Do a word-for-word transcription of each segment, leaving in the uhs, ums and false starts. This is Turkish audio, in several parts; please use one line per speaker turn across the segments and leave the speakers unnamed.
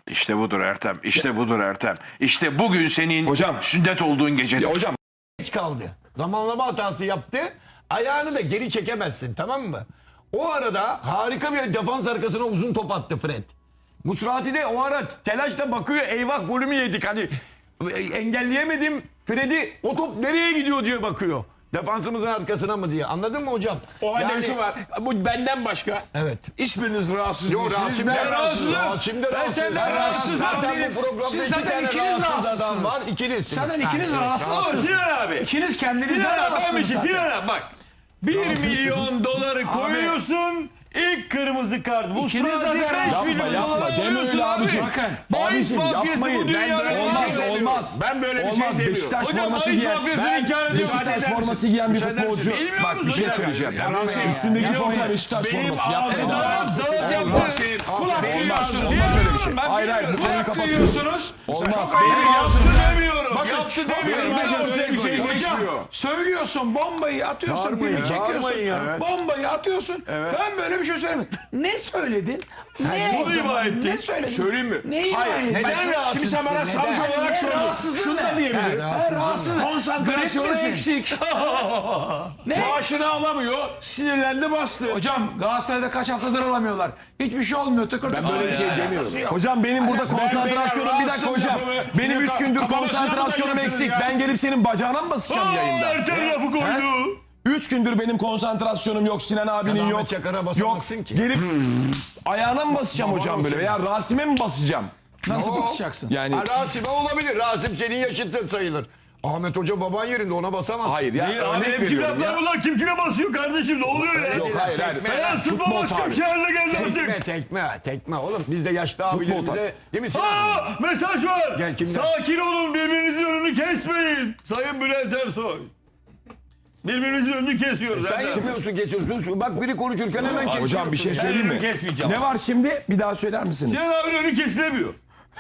İşte budur Ertem. İşte budur Ertem. İşte bugün senin
Hocam.
sünnet olduğun gecedir.
Ya hocam
Geç kaldı. Zamanlama hatası yaptı. Ayağını da geri çekemezsin, tamam mı? O arada harika bir defans arkasına uzun top attı Fred. Musrati de o ara telaşla bakıyor, eyvah golümü yedik. Hani engelleyemedim Fred'i, o top nereye gidiyor diye bakıyor. Defansımızın arkasına mı diye. Anladın mı hocam?
O halde
Yani-
şu var. Bu benden başka.
Evet.
Hiçbiriniz rahatsız
Yok,
değilsiniz.
Rasim
Ben
de
rahatsızım.
Rasim de rahatsız.
senden
Ben
rahatsızım
Zaten
değilim.
bu programda
Siz
iki
zaten
tane
ikiniz
rahatsız adam var.
rahatsızsınız.
İkinizsiniz.
Zaten ikiniz
Ha,
rahatsızsınız.
Sinan abi.
İkiniz kendinizden
Sinan abi ben bir
rahatsınız
şey
zaten.
Sinan abi bak. Bir milyon doları koyuyorsun. İlk kırmızı kart. Bu
İkiniz
sırada
zaten
beş
yapma,
milyon
yapma.
dolar
Deme
alıyorsun
öyle
abi.
abicim.
Bakın.
Bahis
Abicim,
mafyası bu
yapmayın.
dünyada.
Ben böyle bir
olmaz
şey
olmaz.
Ben böyle bir
Olmaz.
şey demiyorum.
Beşiktaş
Hocam
forması
bahis
giyen
mafyasını inkar ediyorsun.
Müsaade
Beşiktaş
eder
forması
misin?
giyen bir
Müsaade eder
futbolcu.
misin?
Bilmiyor
Bak bir
musun?
şey
Ya,
söyleyeceğim.
ya, Rasim,
Üstündeki
ya,
forma
ya,
Beşiktaş
benim
forması. Yapma.
ağzım-
Zalat zalat yaptı.
Rasim,
Kulak
benim
veriyorsun.
ağzım-
Olmaz öyle bir şey.
Ben
Hayır hayır bu
bilmiyorum.
konuyu
Kulak
kapatıyoruz.
duyuyorsunuz.
Olmaz.
Benim yaptı demiyorum.
Bakın,
Yaptı
çok
demiyorum.
benim
Ben
ağzım
ortaya
bir şey
koyuyorum.
geçmiyor.
Hocam söylüyorsun, bombayı atıyorsun,
Bağırmayın,
pimi çekiyorsun.
bağırmayın ya. Evet.
Bombayı atıyorsun. Ben böyle bir şey söylemedim. Ne söyledin? Ne,
bunu ima ettin.
ne söyledin?
Söyleyeyim mi?
Ne ima
Hayır.
ettin?
Neden
Ben-
rahatsızsın? Şimdi sen bana savcı olarak
Ne
sordun.
rahatsızlığın
Şunu da
ne?
diyebilirim.
Ben rahatsızım.
Konsantrasyonu
Grip misin?
eksik.
Ne?
Maaşını alamıyor. Sinirlendi bastı.
Hocam Galatasaray'da kaç haftadır alamıyorlar. Hiçbir şey olmuyor. Tıkır
Ben böyle bir şey demiyorum.
Hocam benim burada konsantrasyonum bir dakika hocam. Benim üç gündür konsantrasyonum eksik. Ben gelip senin bacağına mı basacağım yayında?
Ertem lafı koydu.
Üç gündür benim konsantrasyonum yok. Sinan abinin
Ahmet
yok.
Çakar'a
Yok.
basamazsın ki.
Gelip ayağına mı basacağım hocam böyle veya Rasim'e mi basacağım?
Nasıl basacaksın?
Yani
Ha, Rasim'e olabilir. Rasim senin yaşıtın sayılır. Ahmet Hoca baban yerinde, ona basamazsın.
hayır ya
Abi
örnek
hep kim
veriyorum
laflar
ya.
bunlar? Kim kime basıyor kardeşim? Ne oluyor ya?
Yok hayır hayır.
Beyaz futbol
Futbol
başka
tabii.
bir şey haline geldi
Tekme
artık.
tekme tekme. Oğlum biz de yaşlı abilerimize değil mi Sinan?
Aa, mesaj var.
Gel, kimden?
Sakin olun, birbirinizin önünü kesmeyin. Sayın Bülent Ersoy. Birbirimizin önünü kesiyoruz.
Sen
Ertem.
yapıyorsun, kesiyorsun. Bak biri konuşurken hemen kesiyorsun.
Hocam bir şey
ya.
söyleyeyim mi?
önümü kesmeyeceğim.
Ne var şimdi? Bir daha söyler misiniz?
Sinan abinin önü kesilemiyor.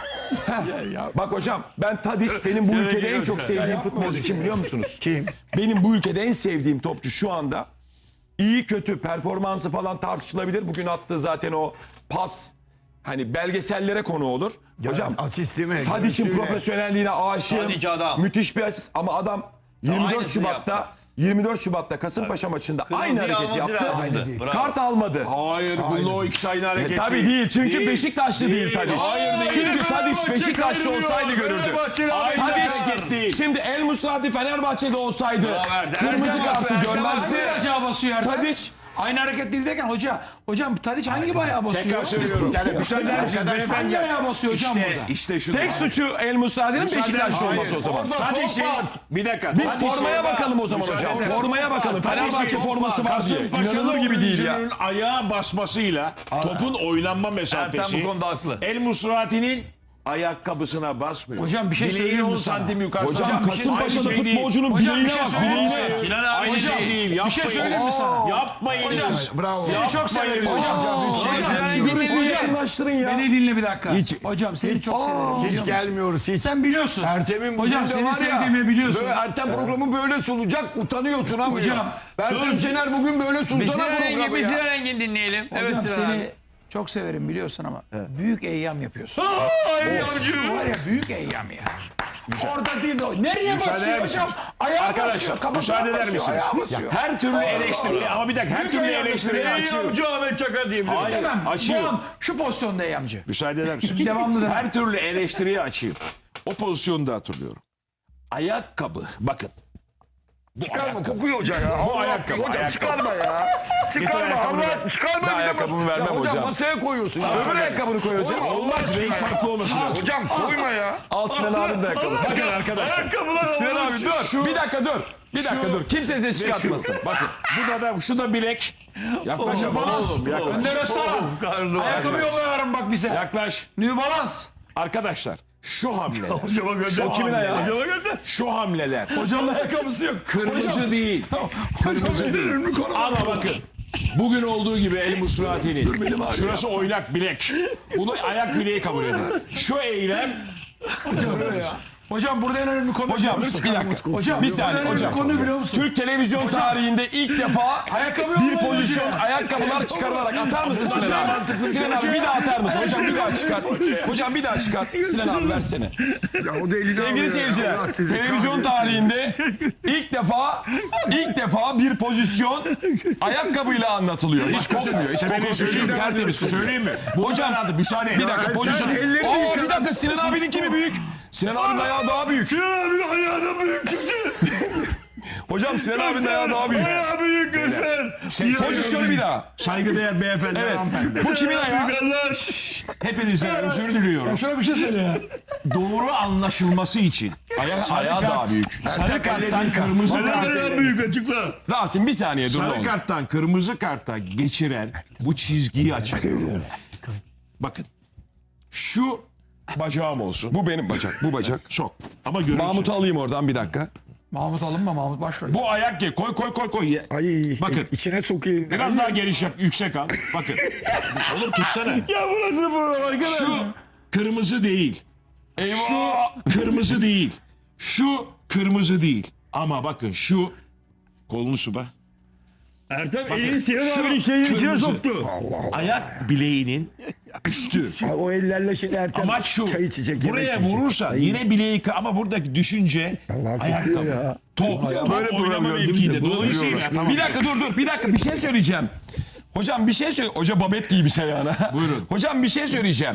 Bak hocam ben Tadiç benim bu ülkede en çok sevdiğim futbolcu kim biliyor musunuz? Kim? Benim bu ülkede en sevdiğim topçu şu anda. İyi kötü performansı falan tartışılabilir. Bugün attığı zaten o pas hani belgesellere konu olur. Hocam
Asisti mi?
Tadiç'in
Görüntüyle.
profesyonelliğine aşığım.
Tadiç adam.
Müthiş bir asist ama adam yirmi dört
aynısını
Şubat'ta yirmi dört Şubat'ta Kasımpaşa maçında aynı
Kırmızıyı
hareketi
alması
yaptı.
lazımdı. Bravo.
Kart almadı.
Hayır, bunun o ikisi aynı hareket
Tabii değil. Çünkü
Değil.
Beşiktaşlı değil, Tadiç.
Hayır değil.
Çünkü Tadiç
Fenerbahçe
Beşiktaşlı
kaybediyor.
olsaydı görürdü.
Fenerbahçe'nin
Aynı
Tadiç-
hareket değil.
Şimdi El Musrati Fenerbahçe'de olsaydı
Ertem.
kırmızı
Ertem
kartı
abi,
görmezdi.
Hangi bacağı basıyor Ertem?
Tadiç
Aynı hareket değil derken hoca, hocam Tadiç hangi bayağı basıyor?
Tekrar söylüyorum. Yani müsaade eder misiniz
Hangi
beyefendi?
ayağı basıyor hocam
İşte,
burada?
işte şu.
tek suçu El Musrati'nin Beşiktaşlı
Hayır.
olması o zaman.
Tadiş'in bir dakika.
Biz
Tadiş'in-
formaya bakalım o zaman
Müsaade
hocam.
eder.
Formaya bakalım. Fenerbahçe
Tadiş'in
forması var diye.
Kasımpaşalı
İnanılır gibi değil ya.
oyuncunun ayağa basmasıyla topun oynanma mesafesi.
Ertem bu konuda haklı.
El Musrati'nin ayakkabısına basmıyor.
Hocam bir şey
Bileğin
söyleyeyim mi
on
sana?
santim yukarı.
Hocam
Aynı
Kasımpaşa'da
şey değil.
futbolcunun
Hocam bir
bileğine
şey
bak.
söyleyeyim mi?
Bileğine.
Sinan abi
Aynı
hocam.
şey değil.
Bir
Yapmayın.
şey söyleyeyim mi sana?
Yapmayın.
Hocam,
Bravo.
Seni çok severim hocam.
Hocam
Hocam,
görüntüyü
hocam,
yakınlaştırın ya.
Beni dinle bir dakika.
Hiç-
hocam seni çok severim.
Hiç
biliyor musun?
gelmiyoruz hiç.
Sen biliyorsun.
Ertem'in bugün
Hocam
de
seni
var ya,
sevdiğimi biliyorsun.
Böyle Ertem programı böyle sunacak, utanıyorsun ama.
Hocam,
Ertem Şener bugün böyle sunsana programı ya.
Sinan Engin dinleyelim.
Hocam
Evet Sinan
seni
abi.
çok severim biliyorsun ama büyük eyyam yapıyorsun.
Ay yavrucuğum.
Var ya büyük eyyam ya. Orada değil de o. Nereye
Müsaade
basıyor
eder
hocam?
misiniz?
Ayağa
Arkadaşlar
basıyor. Kafasına
müsaade eder
basıyor,
misiniz?
ayağa basıyor.
Her türlü eleştiri ama bir dakika her türlü eleştiriyi
Ey
açıyorum.
yavrucu Ahmet Çakar diyebilirim.
Hayır
Demem. Bu
açıyorum.
an şu pozisyonda eyyamcı.
Müsaade eder misiniz?
Devamlı demem.
Her türlü eleştiriyi açayım. O pozisyonu da hatırlıyorum. Ayakkabı bakın.
Çıkarma, kokuyor hoca ya.
Bu ayakkabı.
Hocam
ayakkabı.
çıkarma ya. Çıkarma
ayakkabını
Allah, çıkarma.
Ben
bir de
ayakkabımı
bak-
vermem
Ya
hocam.
masaya koyuyorsun. ya.
Öbür ayakkabını koy hocam.
Olmaz renk farklı olması lazım.
Hocam koyma ya.
Al Sinan abinin de ayakkabısı.
Bakın arkadaşlar.
Ayakkabılar
Sinan
havada
abi
uçuyor.
dur. Bir dakika dur. Bir dakika
şu-
dur. Kimse ses çıkartmasın.
Bakın bu da da şu da bilek. Yaklaş ama oğlum yaklaş.
Önde restoran.
Karlı.
Ayakkabı yolluyorum bak bize.
Yaklaş.
New Balance.
Arkadaşlar şu hamleler.
Hocama gönder.
Şu
Kimin
hamleler.
ayağı? Hocama gönder.
Şu hamleler.
Hocanın ayakkabısı yok.
Kırmızı değil. Kırmızı değil. Ama bakın. Bugün olduğu gibi El Musrati'nin şurası oynak bilek. Bunu ayak bileği kabul edin. Şu eylem
Hocam burada en önemli konu
Hocam
biliyor musun?
bir dakika.
Hocam
bir
burada
saniye
en önemli
hocam.
konu biliyor musun?
Türk televizyon tarihinde ilk defa
Ayakkabı
bir
olmayan
pozisyon
hocam.
ayakkabılar çıkarılarak atar mısın Sinan abi? Sinan abi bir daha atar mısın? Hocam bir daha çıkar. Hocam bir daha çıkar. Sinan abi versene. Sevgili seyirciler, televizyon tarihinde ilk defa ilk defa bir pozisyon ayakkabıyla anlatılıyor. Hiç kokmuyor. Hiç
Ben
kokmuyor.
söyleyeyim mi?
Tertemiz.
Söyleyeyim mi?
Hocam
Müsaade.
bir dakika pozisyon. Oo bir dakika Sinan abinin kimi büyük? Sinan abinin ayağı daha büyük.
Sinan abinin ayağı da büyük çıktı.
Hocam Sinan abinin ayağı daha büyük.
Ayağı büyük göster.
Pozisyonu bir daha.
Saygıdeğer beyefendi.
Evet.
hanımefendi.
Bu kimin ayağı?
Hepinizden özür diliyorum.
Şöyle bir şey söyle ya.
Doğru anlaşılması için. Ayak,
Ayağı daha büyük.
Sarı karttan kırmızı
Ayağı
karta.
büyük açıkla.
Rasim bir saniye dur. ne
Sarı
olur.
karttan kırmızı karta geçiren bu çizgiyi açıklıyor. Bakın. Şu bacağım olsun.
Bu benim bacak. Bu bacak.
Sok. Ama görürsün.
Mahmut'u alayım oradan bir dakika.
Mahmut alınma Mahmut baş ver.
Bu ayak ye. Koy koy koy koy.
Ay,
Bakın.
içine sokayım.
Biraz daha geniş yap. Yüksek al. Bakın. Oğlum tutsana.
Ya bu nasıl program arkadaş?
Şu kırmızı değil. Şu kırmızı değil. Şu kırmızı değil. Ama bakın şu kolunu suba.
Ertem elini Sinan
şu
abinin şeyin içine
kırmızı.
soktu.
Ayak bileğinin üstü.
O ellerle şimdi Ertem
Amaç şu.
çay içecek.
Buraya
yemek yiyecek.
vurursa yine bileği kı- ama buradaki düşünce
Allah
ayakkabı.
kokuyor ya.
Top. Top
Böyle
oynama
program
mevkiinde.
gördünüz mü?
Dolayısıyla tamam.
Bir dakika dur dur. Bir dakika bir şey söyleyeceğim. Hocam bir şey söyle. Hoca babet giymiş ayağına.
Buyurun.
Hocam bir şey söyleyeceğim.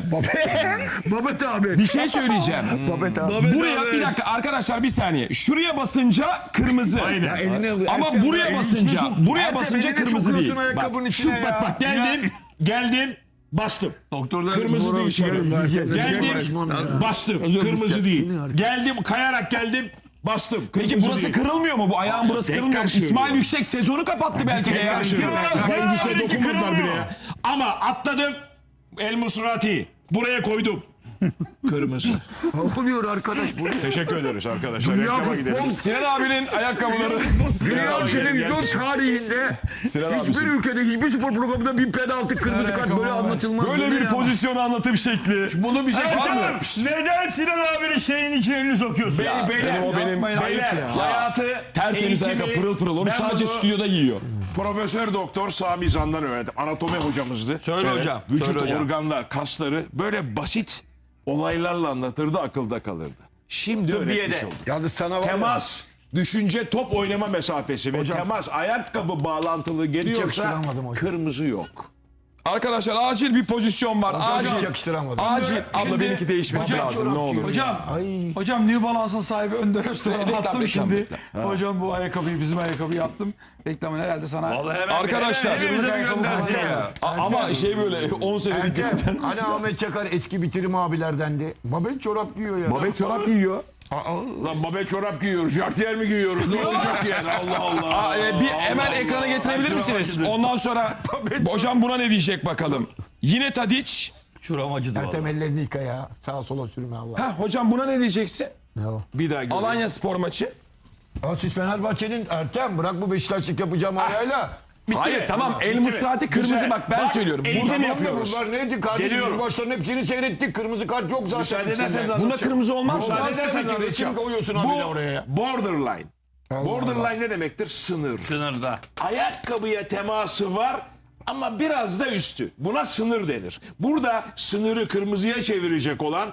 Babet abi.
Bir şey söyleyeceğim.
Babet abi.
Buraya bir dakika arkadaşlar bir saniye. Şuraya basınca kırmızı.
Aynen.
Elini,
Ama
Ertem,
buraya
elini
basınca,
içine sok.
buraya
Ertem,
basınca
elini
kırmızı
sokuyorsun
değil.
ayakkabının
Bak, şu,
içine
bak
ya.
bak geldim. Geldim. Bastım.
Doktorlar
Kırmızı değil sonra. Geldim.
Geldim.
Bastım. Kırmızı değil. Geldim. Kayarak geldim. Bastım.
Peki
Kırmızı
burası
değil.
kırılmıyor mu? Bu ayağın burası
Tekrar
kırılmıyor mu? İsmail
söylüyorum.
Yüksek sezonu kapattı belki de ya.
Tekrar söylüyorum.
Sinan
Kafayı bir şey
abinki
dokunmadılar bile
kırılmıyor.
ya. Ama atladım. El Musrati. Buraya koydum. Kırmızı.
Oluyor arkadaş bu.
Teşekkür ederiz arkadaşlar.
Dünya
Reklama
futbol,
gidelim.
Sinan abinin ayakkabıları.
dünya televizyon tarihinde
Sinan
hiçbir
abisi.
ülkede hiçbir spor programında bir penaltı kırmızı kart böyle anlatılmaz.
Böyle
Bu ne
bir
ya?
pozisyon anlatım şekli.
Bunu bize var mı?
Ertem neden Sinan abinin şeyin içine elini sokuyorsun?
Beyler,
benim o benim
beyler, hayatı,
tertemiz
eğitimi,
ayakkabı pırıl pırıl. Onu
ben
sadece
bunu
stüdyoda giyiyor.
Profesör Doktor Sami Zan'dan öğrendim. Anatomi hocamızdı.
Söyle hocam,
Vücut
söyle hocam.
organlar, kasları böyle basit olaylarla anlatırdı, akılda kalırdı. Şimdi öğretmiş
Tıbbiyede.
olduk.
Yalnız sana var ya.
Temas, düşünce, top oynama mesafesi ve temas, ayakkabı bağlantılı geliyorsa
yakıştıramadım hocam.
kırmızı yok.
Arkadaşlar acil bir pozisyon var.
Hiç
Acil.
yakıştıramadım.
Acil. Abla
Şimdi-
benimki değişmesi
Hocam,
lazım ne olur.
Hocam, hocam New Balance'ın sahibi Önder Öztürk'e
Reklam,
attım
reklam,
şimdi.
reklam.
Hocam bu ayakkabıyı bizim ayakkabıyı yaptım. Reklamını herhalde sana.
Vallahi hemen,
Arkadaşlar.
hemen elimize bir göndersin ya.
A- Ama şey böyle on senelik
Ertem,
göndermesi
hani
lazım.
Ahmet Çakar eski bitirim abilerdendi. Babet çorap giyiyor ya.
Babet çorap giyiyor.
Lan babet çorap giyiyoruz, jartiyer mi giyiyoruz? Ne olacak yani? Allah Allah.
Aa, e, bir hemen ekrana getirebilir misiniz? Ondan sonra hocam buna ne diyecek bakalım. Yine Tadiç.
Şuram acıdı valla.
Ertem ellerini yıka ya. Sağa sola sürme Allah.
Ha hocam buna ne diyeceksin?
Ne o?
Bir daha göreyim.
Alanya spor maçı.
Aa, siz Fenerbahçe'nin Ertem bırak bu Beşiktaşlık yapacağım ayağıyla.
Hayır tamam El
Bitti mi?
Musrati kırmızı
Güzel.
bak ben
Bak,
söylüyorum.
eğitim
Burada,
Tamam da
yapıyoruz.
bunlar neydi kardeşim?
Geliyorum.
Biz maçların hepsini seyrettik. Kırmızı kart yok zaten.
Müsaade
hepsinde.
ederseniz
bunda
anlatacağım.
kırmızı olmaz mı?
Müsaade
Olmaz
ederseniz
tabii ki.
anlatacağım.
Resim koyuyorsun
Bu
abi de oraya.
borderline. Borderline ne demektir? Sınır.
Sınırda.
Ayakkabıya teması var ama biraz da üstü. Buna sınır denir. Burada sınırı kırmızıya çevirecek olan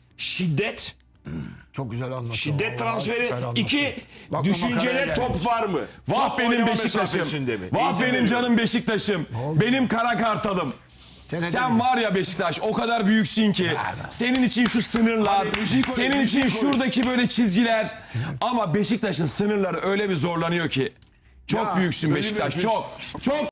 şiddet,
Çok güzel anlattın.
şiddet
Vallahi
transferi.
süper anlattın.
İki,
Bak,
düşüncede
makaraya
top var mı?
Vah
Top
benim
oynama
Beşiktaş'ım.
mesafesinde mi?
Vah
Eğitim
benim
veriyorum.
canım Beşiktaş'ım. Benim kara kartalım.
Senede
Sen
bir.
var ya Beşiktaş o kadar büyüksün ki senin için şu sınırlar, senin için şuradaki böyle çizgiler ama Beşiktaş'ın sınırları öyle bir zorlanıyor ki çok
Ya,
büyüksün
öyle
Beşiktaş
bir-
çok çok